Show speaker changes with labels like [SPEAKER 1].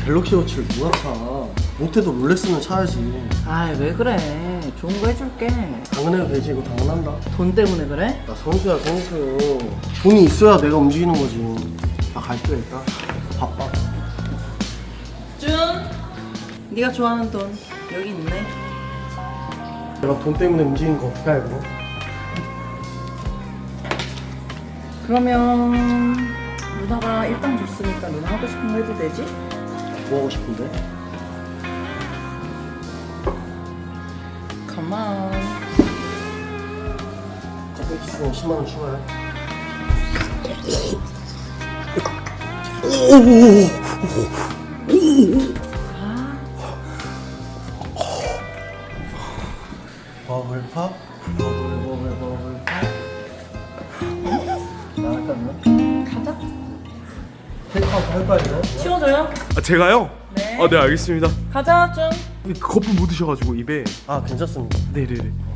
[SPEAKER 1] 갤럭시 워치를 누가 사? 못해도 롤렉스는 사야지.
[SPEAKER 2] 아이 왜 그래. 좋은 거 해줄게.
[SPEAKER 1] 당연해도 되지. 이거 당연한다.
[SPEAKER 2] 돈 때문에 그래?
[SPEAKER 1] 나 선수야 선수. 돈이 있어야 내가 움직이는 거지. 나 갈게 일단. 바빠.
[SPEAKER 2] 준 네가 좋아하는 돈 여기 있네.
[SPEAKER 1] 내가 돈 때문에 움직이는 거 어떻게 알고?
[SPEAKER 2] 그러면 누나가 일당 줬으니까 누나 하고 싶은 거 해도 되지?
[SPEAKER 1] 뭐 하고 싶은데?
[SPEAKER 2] 가만.
[SPEAKER 1] 커피 키스는 10만 원 추가해. 버블팝? 버블팝? 나갈까요?
[SPEAKER 2] 가자.
[SPEAKER 1] 테이크아웃 할 거야 이거?
[SPEAKER 2] 치워줘요?
[SPEAKER 3] 아 제가요?
[SPEAKER 2] 네.
[SPEAKER 3] 아 네 알겠습니다.
[SPEAKER 2] 가자 준.
[SPEAKER 3] 거품 묻으셔가지고 입에.
[SPEAKER 1] 아 괜찮습니다.
[SPEAKER 3] 네네네.